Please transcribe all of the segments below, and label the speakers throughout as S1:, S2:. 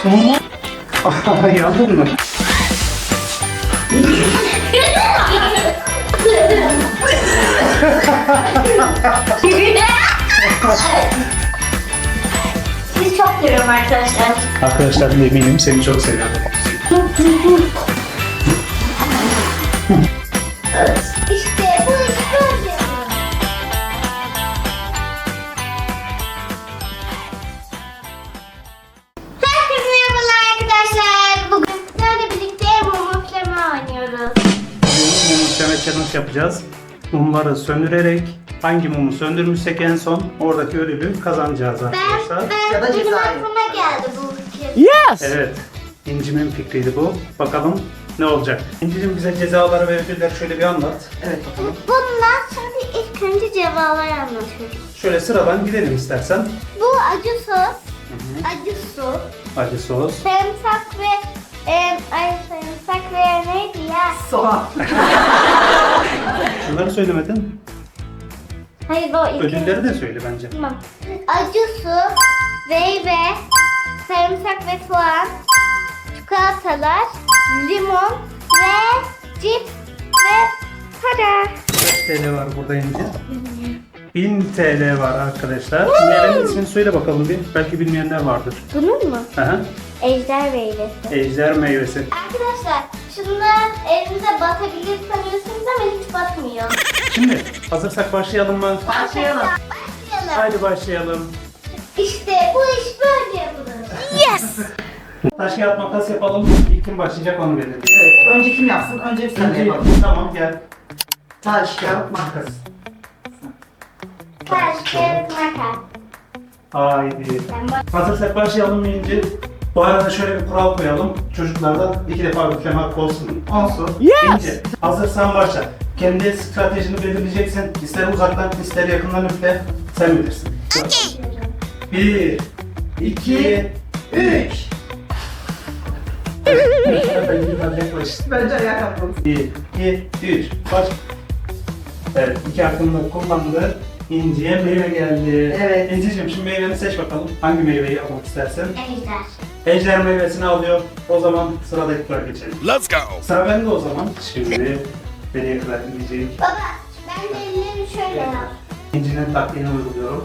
S1: Yandın mı?
S2: Sizi çok seviyorum arkadaşlar.
S1: Arkadaşlar eminim seni çok seviyorum.
S2: İşte bu iş böyle. Herkese merhabalar arkadaşlar. Bugün sizlerle birlikte mum üfleme oynuyoruz.
S1: Mum üfleme challenge yapacağız. Mumları söndürerek hangi mumu söndürmüşsek en son oradaki ödülü kazanacağız arkadaşlar.
S3: Ya da
S2: Benim
S3: ceza.
S2: aklıma geldi bu fikir.
S1: Evet. İnci'nin fikriydi bu. Bakalım ne olacak? İnci'cim bize cezaları ve ödülleri şöyle bir anlat.
S3: Evet bakalım.
S2: Bundan sonra ilk önce cevaları anlatıyorum.
S1: Şöyle sıradan gidelim istersen.
S2: Bu acı sos, acı su,
S1: Acı sos.
S2: sarımsak ve sarımsak ve neydi ya?
S3: Soğan.
S1: Şunları söylemedin.
S2: Hayır o iki.
S1: Ödülleri de söyle bence.
S2: Tamam. Acı su, meyve, sarımsak ve soğan, çikolatalar, limon ve cips ve para.
S1: Kaç TL var burada İnci? 1000 TL var arkadaşlar. Meyvenin ismini söyle bakalım bir. Belki bilmeyenler vardır.
S2: Bunun mu?
S1: Aha.
S2: Ejder meyvesi.
S1: Ejder meyvesi.
S2: Arkadaşlar şunlar elinize batabilir sanıyorsunuz ama hiç batmıyor.
S1: Şimdi hazırsak başlayalım mı?
S3: Başlayalım.
S2: Başlayalım.
S1: Haydi başlayalım.
S2: İşte bu iş böyle yapılır.
S1: Taş kağıt makas yapalım. İlk kim başlayacak onu belirleyelim.
S3: Evet. Önce kim yapsın? Önce sen
S1: İnci,
S3: yapalım.
S1: tamam gel.
S3: Taş, kağıt, makas.
S2: Taş, kağıt, makas.
S1: Haydi.
S2: Ben bak-
S1: Hazırsak başlayalım mı İnci? Bu arada şöyle bir kural koyalım. Çocuklardan 2 defa üfleme hakkı olsun. Olsun. İnci, hazırsan başla. Kendi stratejini belirleyeceksin. İster uzaktan, ister yakından üfle. Sen bilirsin. Bir, iki, üç.
S3: Bence ayağa kalkalım.
S1: 1, 2, 3. Baş. Evet, 2 hakkını kullandı. İnci'ye meyve geldi.
S3: Evet.
S1: İnci'cim şimdi meyveni seç bakalım. Hangi meyveyi almak istersen.
S2: Ejder.
S1: Ejder meyvesini alıyor. O zaman sıradaki tura geçelim.
S4: Let's go.
S1: Sıra bende o zaman. Şimdi nereye kadar gidecek?
S2: Baba ben de ellerimi şöyle yap.
S1: İnci'nin taktiğini uyguluyorum.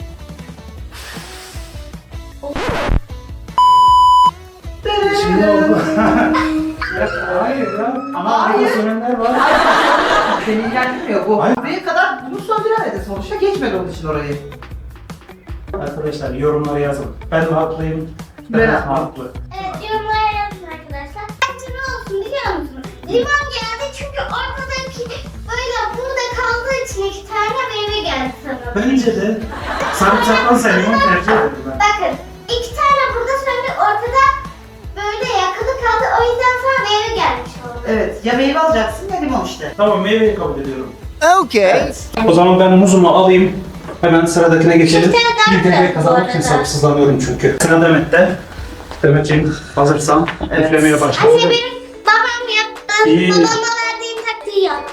S1: Şimdi oldu. Ya, hayır ya. Ama
S3: Hayır.
S1: burada söylenenler var.
S3: Seni ilgilendirmiyor bu.
S1: Hayır.
S3: Buraya kadar bunu söndüremedi sonuçta. Geçmedi onun için orayı.
S1: Arkadaşlar yorumlara yazın. Ben mi haklıyım? Ben
S3: Ben
S1: mi
S3: haklı.
S1: haklı?
S2: Evet yorumlara yazın arkadaşlar. Bence ne olsun biliyor musunuz? Limon geldi çünkü ortadaki böyle burada kaldığı için 2 tane meyve geldi sanırım.
S1: Bence de sarımsaktan limon tercih ederim ben.
S2: Bakın 2 tane burada söndü ortada böyle yakını kaldı o yüzden sana meyve gelmiş oldu.
S3: Evet. Ya meyve alacaksın ya limon işte.
S1: Tamam meyveyi kabul ediyorum.
S4: Okay.
S1: O zaman ben muzumu alayım. Hemen sıradakine geçelim.
S2: Bir tane daha
S1: Bir meyve
S2: bırak bu
S1: kazanmak için
S2: arada.
S1: sabırsızlanıyorum çünkü. Sıra Demet'te. Demet'ciğim hazırsan
S3: Evet.
S1: üflemeye başlasın.
S2: Anne benim babam yaptı.
S1: İyi.
S2: Babama verdiğim taktiği yap.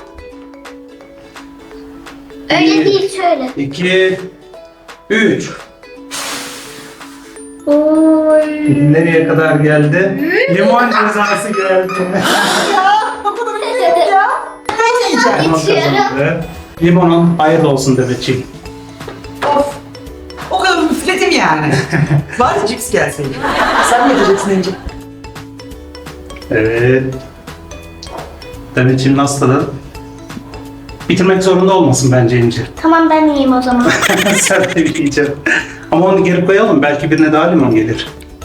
S2: Öyle
S1: İyi.
S2: değil şöyle.
S1: 2, 3.
S2: Oy.
S1: Nereye kadar geldi? Limon cezası geldi. Limon
S2: İçiyorum.
S1: kazandı. Limonun hayırlı olsun Demet'ciğim.
S3: Of. O kadar müfletim yani. Bari cips gelseydi. Sen ne diyeceksin İnci?
S1: Evet. Demet'ciğim nasıl tadı? Bitirmek zorunda olmasın bence İnci.
S2: Tamam ben yiyeyim o zaman.
S1: Sen de yiyeceksin. Ama onu geri koyalım. Belki birine daha limon gelir.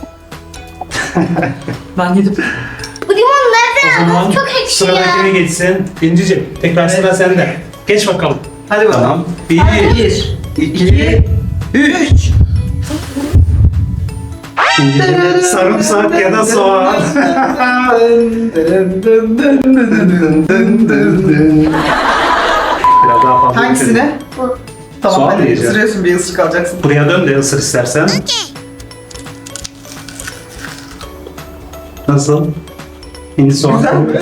S3: Ben yedim.
S2: Bu limon
S1: O
S2: nereden
S1: zaman
S2: aldın? Çok ekşi ya.
S1: sıradakine geçsin. İnci'ciğim tekrar sıra sende. Geç bakalım.
S3: Hadi bakalım.
S1: Tamam. 1,
S3: 1,
S1: 2, 3.
S3: 3.
S1: İnci'ciğim sarımsak ya da soğan. Biraz daha fazla.
S3: Hangisine?
S2: Bu.
S3: Tamam
S1: Soğan
S3: hadi
S1: yiyeceğim.
S3: ısırıyorsun bir ısırık alacaksın.
S1: Buraya dön de ısır istersen. Nasıl? İnci soğan.
S3: Güzel mi?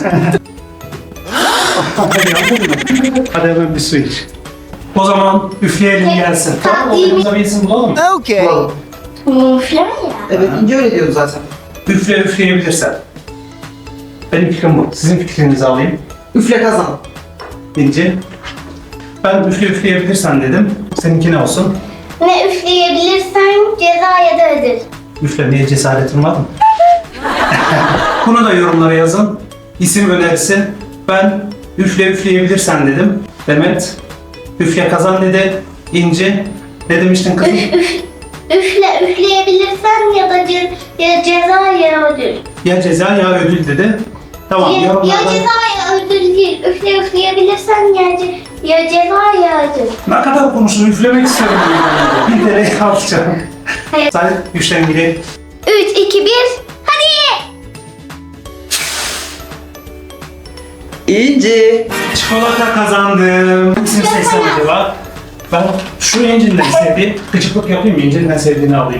S1: Hadi hemen bir su iç. O zaman üfleyelim gelsin.
S2: Tamam,
S1: Oyunumuza bir isim bulalım mı?
S4: Okay.
S3: Bulalım.
S2: Üfleme ya.
S3: Evet İnce öyle diyordu zaten.
S1: Üfleyebilirsen. Benim fikrim bu. Sizin fikrinizi alayım.
S3: Üfle kazan.
S1: İnci. Ben üfleyebilirsen dedim. Seninki ne olsun?
S2: Ne üfleyebilirsen ceza ya da ödül.
S1: Üflemeye cesaretin var mı? Bunu da yorumlara yazın. İsim önerisi. Ben üfleyebilirsen dedim. Demet. Üfle kazan dedi. İnci. Ne demiştin kızım?
S2: Üfleyebilirsen ya da ya ceza ya ödül.
S1: Ya ceza ya ödül dedi. Tamam
S2: Ya
S1: yorumlardan.
S2: ceza ya ödül değil. Üfleyebilirsen ya ceza ya ödül.
S1: Ne kadar konuştum üflemek istiyorum. Bir TL alacağım.
S2: Hayır.
S1: Sen güçten biri.
S2: 3, 2, 1. Hadi.
S3: İnci.
S1: Çikolata kazandım. Hangisini seçsem acaba? Ben şu İnci'nin sevdiği, gıcıklık yapayım mı? İnci'nin en sevdiğini alayım.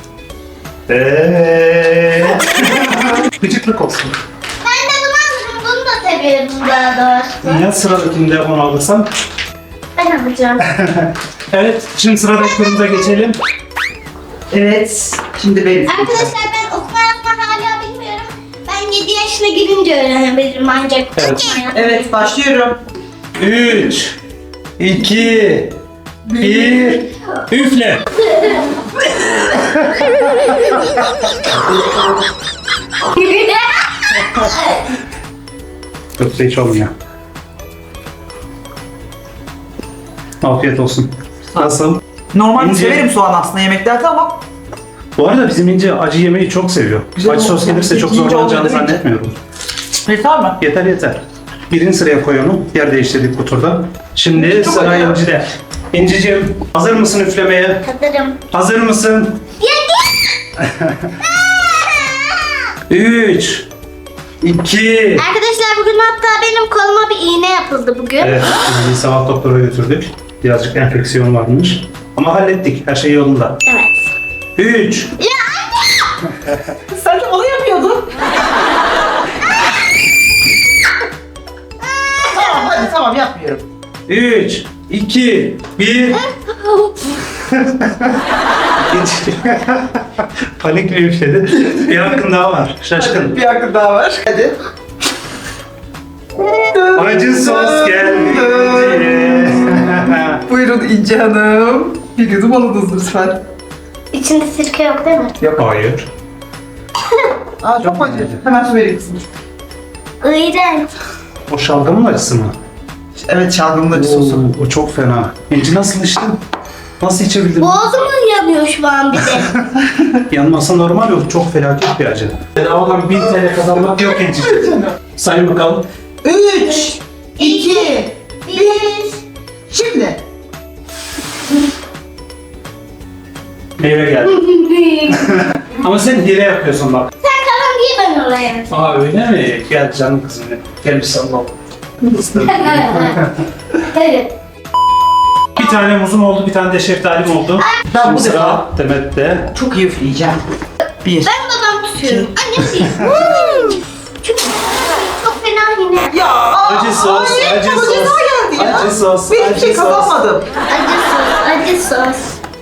S1: Gıcıklık olsun.
S2: Ben de bunu alırım. Bunu da seviyorum daha doğrusu.
S1: Ya sıradakinde onu alırsam?
S2: Ben alacağım.
S1: Evet, şimdi sıradaki turumuza geçelim.
S3: Evet. Şimdi benim.
S2: Arkadaşlar ben okuma yazma hala bilmiyorum. Ben 7 yaşına girince öğrenebilirim ancak.
S1: Evet.
S3: Evet başlıyorum.
S1: 3, 2, 1, üfle. Yoksa hiç olmuyor. Afiyet olsun. Nasıl?
S3: Normalde
S1: İnci.
S3: severim soğan aslında yemeklerde ama
S1: Bu arada bizim İnci acı yemeği çok seviyor.
S3: Güzel
S1: Acı sos
S3: oldu.
S1: gelirse çok
S3: İnci
S1: zorlanacağını
S3: olmadı mı?
S1: zannetmiyorum.
S3: yeter mi?
S1: Yeter yeter. Birinci sıraya koy onu. Yer değiştirdik bu turda. Şimdi
S3: Çok
S1: sıra
S3: acı.
S1: İnci'de. İnci'cim hazır mısın üflemeye?
S2: Hazırım.
S1: Hazır mısın? 3, 2,
S2: Arkadaşlar bugün hatta benim koluma bir iğne yapıldı bugün.
S1: Evet, İnci'yi sabah doktora götürdük. Birazcık enfeksiyon varmış. Ama hallettik. Her şey yolunda.
S2: Evet.
S1: 3,
S3: Sen de onu yapıyordun. Tamam hadi tamam yapmıyorum.
S1: 3, 2, 1. Panikle üfledi. Bir hakkın daha var. Şaşkın.
S3: Bir hakkı daha var. Hadi.
S1: Acı sos geldi.
S3: Buyurun İnci Hanım. Bir yudum alınız lütfen.
S2: İçinde sirke yok değil mi?
S1: Hayır.
S3: Aa çok acı. Hemen su vereyim kızım.
S2: İğrenç.
S1: O şalgamın acısı mı?
S3: Evet şalgamın acı sosu.
S1: O çok fena. İnci nasıl içtin? Nasıl içebildin?
S2: Boğazım yanıyor şu an bir de.
S1: Yanması normal yok. Çok felaket bir acı. Bedavadan 1000 TL kazanmak yok İnci. Sayın bakalım.
S3: 3, 2,
S2: 1.
S3: şimdi.
S1: Meyve geldi. Ama sen hile yapıyorsun bak.
S2: Sen kalan diye ben oraya.
S1: Aa öyle mi? Gel canım kızım. Gel bir sallalım.
S2: Evet.
S1: Bir tane muzum oldu, bir tane de şeftalim oldu.
S3: Ben
S1: Şimdi
S3: bu
S1: sıra
S3: defa
S1: Demet'te.
S3: çok iyi üfleyeceğim. 1.
S2: Ben babam tutuyorum. Annem değil. Çünkü çok fena yine.
S3: Ya
S1: Acı sos,
S3: hayır,
S1: acı
S3: bana
S1: sos.
S3: ceza geldi ya.
S1: Acı sos,
S3: Ben hiçbir şey
S1: acı sos.
S3: kazanmadım.
S2: Acı sos.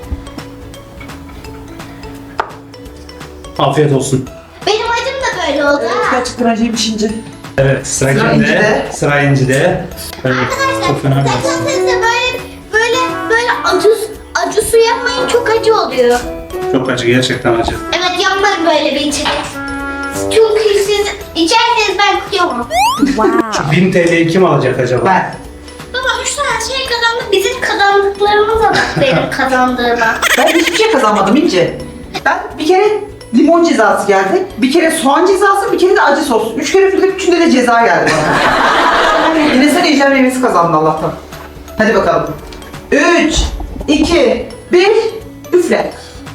S1: Afiyet olsun.
S2: Benim acım da böyle oldu
S3: Evet,
S2: ha.
S3: gerçekten acıymış İnci.
S1: Evet, sıra
S3: Sıra
S1: kimde?
S3: İnci'de.
S1: Sıra İnci'de. Evet, çok fena bir acı.
S2: Arkadaşlar böyle acı su yapmayın çok acı oluyor.
S1: Çok acı, gerçekten acı.
S2: Evet yapmayın böyle bir içecek. Çünkü siz içerseniz ben kıyamam.
S1: Şu 1000 TL'yi kim alacak acaba?
S3: Ben.
S2: Baba 3 tane şey kazandık. Bizim kazandıklarımıza bak benim kazandığıma.
S3: Ben hiçbir şey kazanmadım İnci. Ben bir kere limon cezası geldi. Bir kere soğan cezası, bir kere de acı sos. 3 kere üfledim, üçünde de ceza geldi bana. Yine sen ejder meyvesi kazandın Allah'tan. Hadi bakalım. 3, 2, 1, üfle.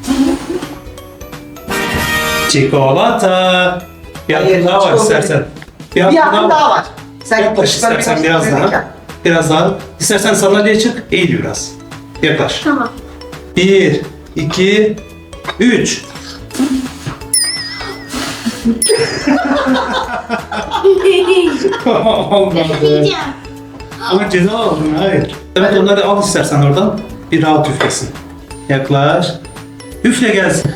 S1: Çikolata. Bir
S3: Hayır,
S1: hakkın daha var
S3: çikolata
S1: istersen.
S3: Bir hakkın daha var. Sen
S1: Yaklaş istersen biraz daha. Biraz daha. İstersen sandalyeye çık, eğil biraz. Yaklaş.
S2: Tamam.
S1: 1, 2, 3. Olmadı.
S2: Yiyeceğim.
S1: Ama ceza aldın, hayır. Evet onları al istersen oradan. Bir rahat üflesin. Yaklaş. Üfle gelsin.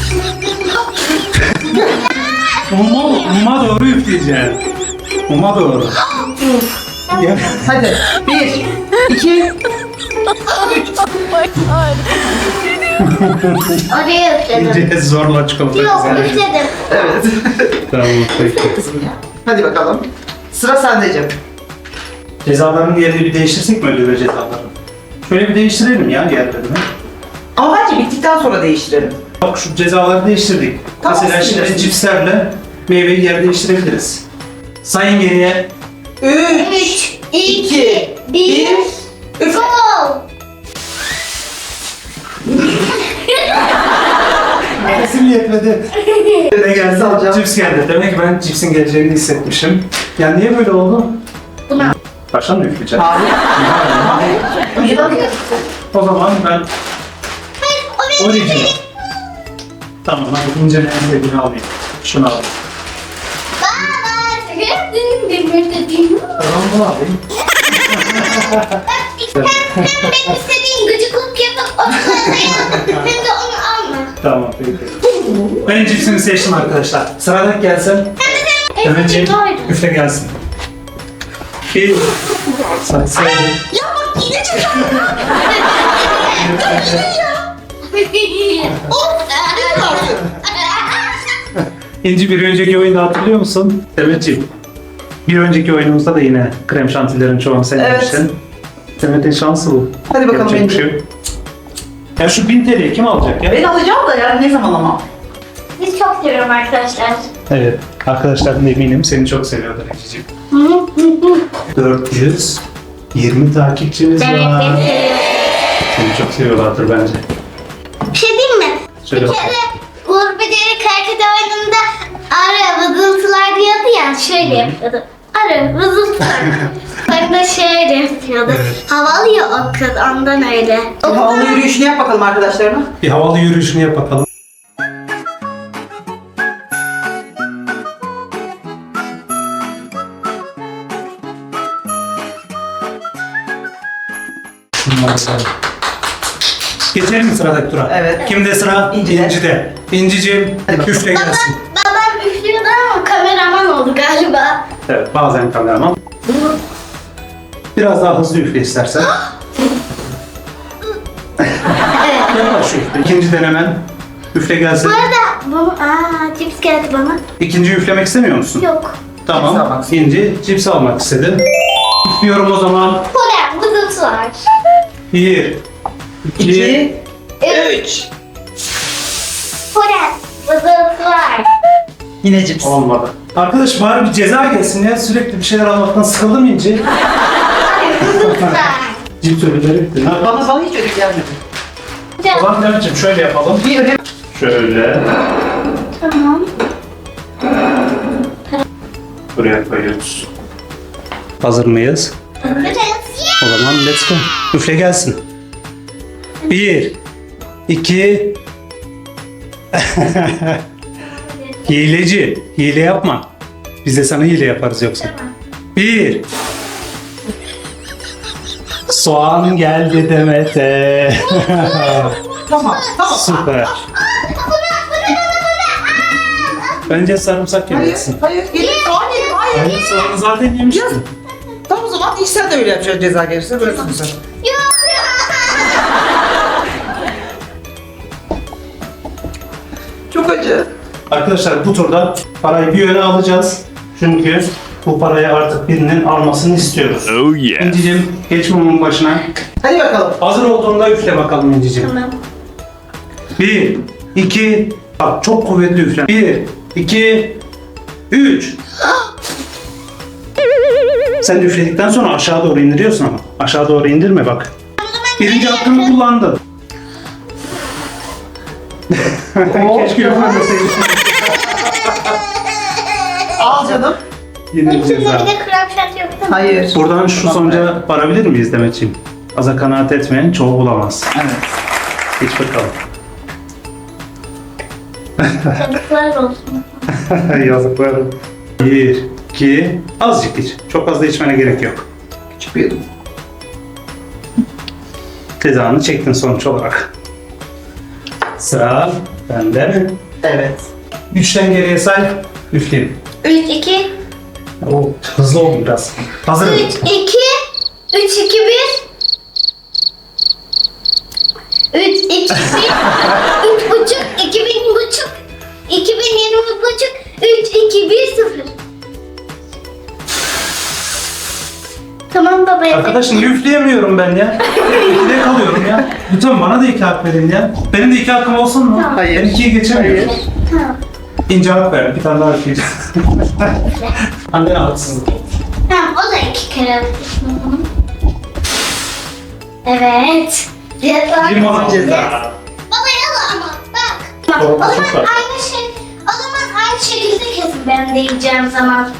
S1: Muma doğru üfleyeceksin. Muma doğru. Gel.
S3: Hadi. 1, 2,
S2: Oraya üfledim.
S1: İnce zorla çikolata
S2: Yok
S1: güzel.
S2: üfledim.
S3: evet.
S1: Tamam peki.
S3: Hadi bakalım. Sıra sende Cem.
S1: Cezaların yerini bir değiştirsek mi ödül ve cezaları? Şöyle bir değiştirelim ya yerlerini.
S3: Ama bence bittikten sonra değiştirelim.
S1: Bak şu cezaları değiştirdik.
S3: Tamam,
S1: Mesela şimdi
S3: değiştiririz.
S1: cipslerle meyveyi yer değiştirebiliriz. Sayın geriye.
S3: 3,
S2: 2, 1,
S3: üfle.
S2: gol.
S1: Nefesim yetmedi. Ne geldi?
S3: Alacağım.
S1: Cips geldi. Demek ki ben cipsin geleceğini hissetmişim. Ya niye böyle oldu?
S2: Buna.
S1: Baştan mı üfleyeceğim?
S3: Hayır. Hayır. Önceden
S1: O zaman ben
S2: Hayır, o benim.
S1: orijinal. Tamam, hadi ince en sevdiğini alayım. Şunu alayım.
S2: Baba, dedim.
S1: Tamam, bu alayım.
S2: Hem benim istediğim gıcıklık yapıp o çikolatayı hem de onu alma.
S1: Tamam, peki. Ben cipsimi seçtim arkadaşlar. Sıradaki gelsin. Demetciğim, üfle gelsin. Bir. Sayın.
S3: Ya bak yine çıktı.
S1: İnci bir önceki oyunda hatırlıyor musun? Demetciğim. Bir önceki oyunumuzda da yine krem şantilerin çoğunu sen
S3: Evet.
S1: yemiştin. Demet'in şansı bu.
S3: Hadi bakalım
S1: Yapacak bir
S3: İnci.
S1: şey yok. Ya şu 1000 TL'yi kim alacak ya?
S3: Ben alacağım da yani ne zaman ama.
S2: Biz çok seviyorum arkadaşlar.
S1: Evet. Arkadaşlarım eminim seni çok seviyorlar İnci'ciğim. 420 takipçimiz
S2: Evet,
S1: var.
S2: beni seviyorum.
S1: Seni çok seviyorlardır bence.
S2: Bir şey diyeyim mi?
S1: Söyle
S2: Bir
S1: bakalım.
S2: kere Uğur Beceri Karkıda oyununda ara vızıltılar diyordu ya, şöyle yapıyordu. Ara vızıltılar. Ben de şöyle yapıyordu. Havalı ya o kız, ondan öyle.
S3: Havalı yürüyüşünü yap bakalım arkadaşlarına.
S1: Bir havalı yürüyüşünü yap bakalım. Geçelim mi sıradaki tura?
S3: Evet.
S1: Kimde sıra?
S3: İnci'de.
S1: İnci'de. İnci'ciğim
S3: Hadi bakalım.
S1: üfle gelsin.
S2: Babam üflüyordu ama kameraman oldu galiba.
S1: Evet, bazen kameraman. Biraz daha hızlı üfle istersen. Yavaş üfle. İkinci denemen. Üfle gelsin.
S2: Bu arada cips geldi bana.
S1: İkinci üflemek istemiyor musun?
S2: Yok.
S3: Cips
S1: Tamam.
S3: almak
S1: İnci cips almak istedi. Üflüyorum o zaman.
S2: Polen vızıltılar.
S1: 1, 2,
S3: 2, 3.
S2: Polen vızıltılar.
S3: Yine cips.
S1: olmadı. Arkadaş bari bir ceza gelsin ya. Sürekli bir şeyler almaktan sıkıldım İnci.
S2: Vızıltılar.
S1: Cips ödülleri bitti. Ne yapalım?
S3: Bana hiç ödül gelmedi.
S1: O zaman Demetciğim şöyle yapalım.
S3: Bir ödül.
S1: Şöyle.
S2: Tamam.
S1: Buraya koyuyoruz. Hazır mıyız?
S2: Hazırız.
S1: O zaman let's go. Üfle gelsin. 1, 2. Hileci. Hile yapma. Biz de sana hile yaparız yoksa. 1. Soğan geldi Demet'e.
S3: Tamam, tamam.
S1: Süper. Bence sarımsak
S3: Hayır,
S1: yemeksin.
S3: hayır. Gelin soğan yedim, hayır.
S1: Hayır, soğanı zaten yemiştin.
S3: Tamam o zaman ilk sen de öyle yapacaksın ceza gelirse. Böyle sen.
S2: Yok.
S3: Çok acı.
S1: Arkadaşlar bu turda parayı bir yöne alacağız. Çünkü bu parayı artık birinin almasını istiyoruz.
S4: Oh yeah.
S1: İnci'cim geç mumun başına.
S3: Hadi bakalım.
S1: Hazır olduğunda üfle bakalım İnci'cim.
S2: Tamam.
S1: 1, 2, bak çok kuvvetli üfle. 1, 2, 3. Sen de üfledikten sonra aşağı doğru indiriyorsun ama. Aşağı doğru indirme bak. Birinci hakkını kullandın. Keşke üflemeseydin.
S3: Al canım.
S1: Yine bir
S2: İçinde
S1: ceza.
S2: bir de krem şanti yok değil mi?
S3: Hayır.
S1: Buradan şu sonuca varabilir miyiz Demetciğim? Aza kanaat etmeyen çoğu bulamaz.
S3: Evet.
S1: Geç bakalım.
S2: Çocuklar olsun.
S1: Yazıklar. 1, 2, azıcık iç. Çok fazla içmene gerek yok.
S3: Küçük bir yudum.
S1: Cezanı çektin sonuç olarak. Sıra bende mi?
S3: Evet.
S1: 3'ten geriye say. Üfleyeyim.
S2: 3, 2,
S1: Oo, hızlı oldu biraz. Hazırım.
S2: 3, 2, 3, 2, 1. 3, 2, 1, 3 buçuk, 2000 buçuk, 2020 buçuk, 3, 2, 1, 0. Tamam baba.
S1: Arkadaşım üfleyemiyorum ben ya. İkide kalıyorum ya. Lütfen bana da 2 hak verin ya. Benim de 2 hakkım olsun mu?
S2: Tamam.
S3: Hayır.
S1: Ben 2'yi geçemiyorum.
S2: Tamam.
S1: İnce hak ver. Bir tane daha üfleyeceğim. Annene haksızlık.
S2: Tamam o da 2 kere alıyorsun. Evet.
S1: Limon
S3: ceza.
S2: Baba yalan ama bak.
S1: Doğru,
S2: O zaman
S1: çok var.
S2: aynı şekilde kesin ben de yiyeceğim zaman.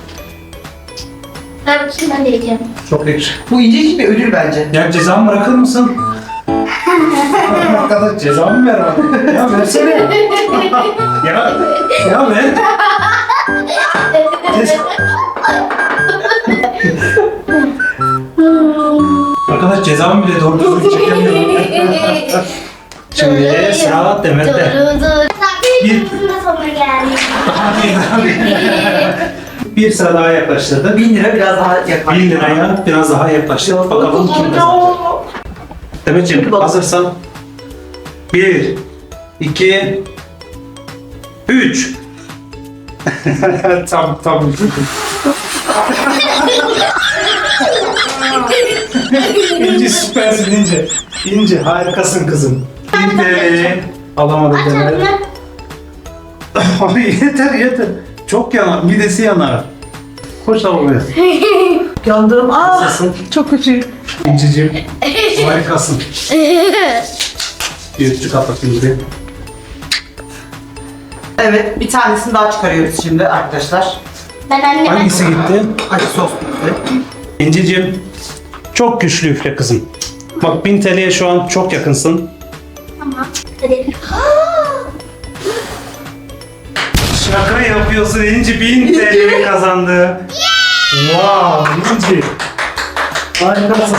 S2: Ben de yiyeceğim.
S1: Çok yakışır.
S3: Bu incecik bir ödül bence.
S1: Ya cezamı bırakır mısın? Arkadaş cezamı ver bana. Ya versene. ya ver. Arkadaş cezamı bile doğru düzgün çekemiyorum. Şimdi sıra Demet'te.
S2: Dur.
S1: Bir-
S2: Bir kızın da sonuna geldik.
S1: Bir sıra daha yaklaştırdık.
S3: 1000 lira biraz daha yakar.
S1: 1000 liraya biraz daha yaklaştık. Bakalım kim kazanacak. Demetciğim hazırsan. 1, 2, 3. Tam. İnci süpersin İnci. İnci harikasın kızım. İnci. Alamadım
S2: Aç
S1: Demet.
S2: ağzını.
S1: Abi yeter. Çok yanar. Midesi yanar. Koş lavaboya.
S3: Yandım.
S1: Nasılsın?
S3: Çok kötü.
S1: İnciciğim. Harikasın. Bir üstü kapatayım bir.
S3: Evet, bir tanesini daha çıkarıyoruz şimdi arkadaşlar.
S2: Ben anneme...
S1: Hangisi gitti?
S3: Acı sos bitti.
S1: İnciciğim. Çok güçlü üfle kızım. Bak 1000 TL'ye şu an çok yakınsın.
S2: Tamam. Hadi.
S1: Şaka yapıyorsun İnci 1000 TL kazandı. Wow İnci. Harikasın.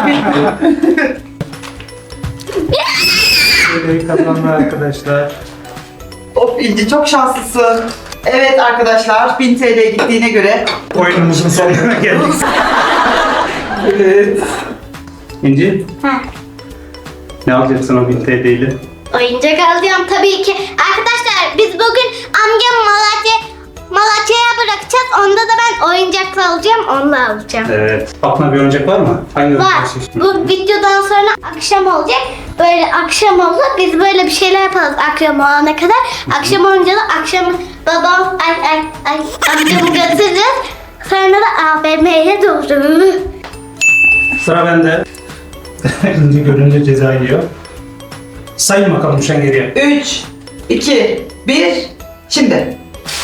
S1: TL'yi kazandı arkadaşlar.
S3: Of İnci çok şanslısın. Evet arkadaşlar 1000 TL gittiğine göre.
S1: Oyunumuzun sonuna geldik.
S3: Evet.
S1: İnci
S2: Ha.
S1: ne alacaksın o 1000 TL ile?
S2: Oyuncak alacağım tabii ki. Arkadaşlar biz bugün amcam Malatya'ya bırakacağız. Onda da ben oyuncakla alacağım. Onu da alacağım.
S1: Evet. Aklına bir oyuncak var mı? Hangi
S2: Var.
S1: oyuncak istiyorsun?
S2: Bu videodan sonra akşam olacak. Böyle akşam oldu. Biz böyle bir şeyler yaparız akşam olana kadar. Akşam olunca da akşam babam amcamı götürürüz. Sonra da AVM'ye doğru.
S1: Sıra bende. İnci görünce ceza yiyor. Sayın bakalım şu an geriye.
S3: 3, 2, 1, şimdi.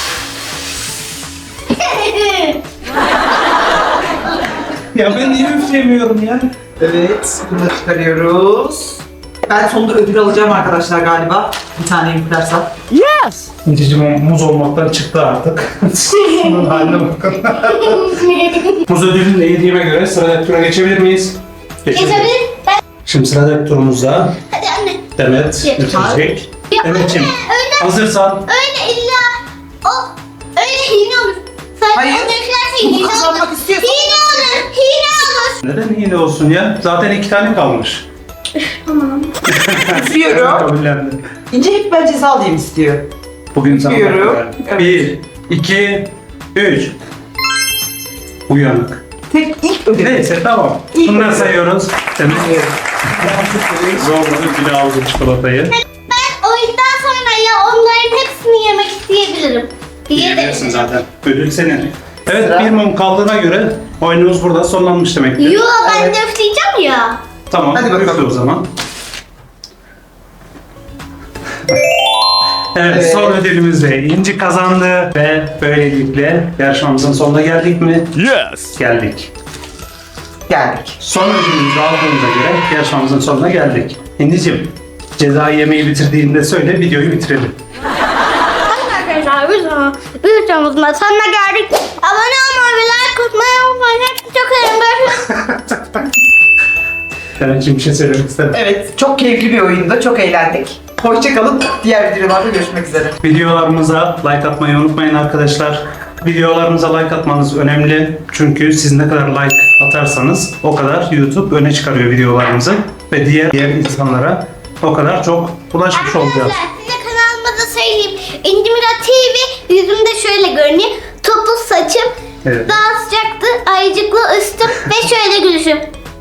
S1: Ya ben niye üfleyemiyorum ya?
S3: Evet, bunu da çıkarıyoruz. Ben sonunda ödül alacağım arkadaşlar galiba. Bir tane yüklersem.
S1: İnciciğim muz olmaktan çıktı artık. Şunun haline bakın. Muz ödülünü de yediğime göre sıradaki tura geçebilir miyiz?
S2: Geçebilir. Ben...
S1: Şimdi sıradaki turumuzda
S2: Hadi anne.
S1: Demet
S2: Geç.
S1: üfleyecek.
S2: Ya
S1: Demetciğim
S2: öyle,
S1: hazırsan
S2: öyle illa öyle hile olur. Sen
S3: Hayır.
S2: onu üflersen
S3: Bunu
S2: hile olur.
S3: kazanmak istiyorsan-
S2: Hile olur. Hile olur.
S1: neden hile olsun ya? Zaten 2 tane kalmış.
S2: Tamam.
S3: Üflüyorum.
S1: Kabullendi.
S3: İnce hep ben ceza alayım istiyor.
S1: Bugün sana
S3: Üflüyorum.
S1: bakıyorum.
S3: Evet.
S1: 1, 2, 3. Uyanık.
S3: Tek ilk ödül.
S1: Neyse tamam.
S3: İyi.
S1: Bundan sayıyoruz. Demet zorladı bile aldı çikolatayı.
S2: Ben oyundan sonra ya onların hepsini yemek isteyebilirim.
S1: Yiyebilirsin zaten. Ödül senin. Evet
S3: Sıra.
S1: bir mum kaldığına göre oyunumuz burada sonlanmış demektir.
S2: Yo ben
S3: Evet.
S2: de üfleyeceğim ya.
S1: Tamam
S3: Hadi bakalım.
S1: üfle o zaman. Evet,
S3: Evet.
S1: son ödülümüzde İnci kazandı ve böylelikle yarışmamızın sonuna geldik mi?
S4: Yes!
S1: Geldik.
S3: Geldik.
S1: Son ödülümüzü aldığımıza göre yarışmamızın sonuna geldik. İnci'cim cezayı yemeği bitirdiğinde söyle videoyu bitirelim.
S2: Arkadaşlar bir videomuzun sonuna geldik. Abone olmayı ve like atmayı unutmayın. Hepinizi çok seviyorum. Görüşürüz.
S1: Senin için bir şey söylemek istedim.
S3: Evet, çok keyifli bir oyundu. Çok eğlendik. Hoşçakalın. Diğer videolarda görüşmek üzere.
S1: Videolarımıza like atmayı unutmayın arkadaşlar. Videolarımıza like atmanız önemli. Çünkü siz ne kadar like atarsanız o kadar YouTube öne çıkarıyor videolarımızı. Ve diğer insanlara o kadar çok ulaşmış olacağız.
S2: Arkadaşlar size kanalıma da söyleyeyim. İndimira TV yüzümde şöyle görünüyor. Topuz saçım,
S1: Evet.
S2: daha sıcaktı, ayıcıklı üstüm ve şöyle gülüşüm.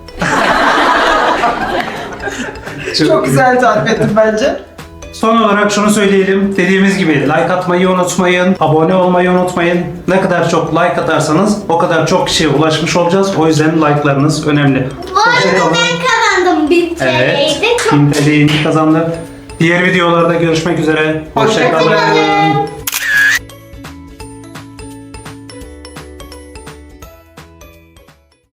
S3: Çok güzel tarif ettim bence.
S1: Son olarak şunu söyleyelim. Dediğimiz gibi like atmayı unutmayın. Abone olmayı unutmayın. Ne kadar çok like atarsanız o kadar çok kişiye ulaşmış olacağız. O yüzden like'larınız önemli.
S2: Bu arada ben kazandım 1000
S1: Evet.
S2: TL'ydi. Çok
S1: 1000 TL'yi kazandık. Diğer videolarda görüşmek üzere.
S3: Hoşça kalın.
S1: Hoşça kalın.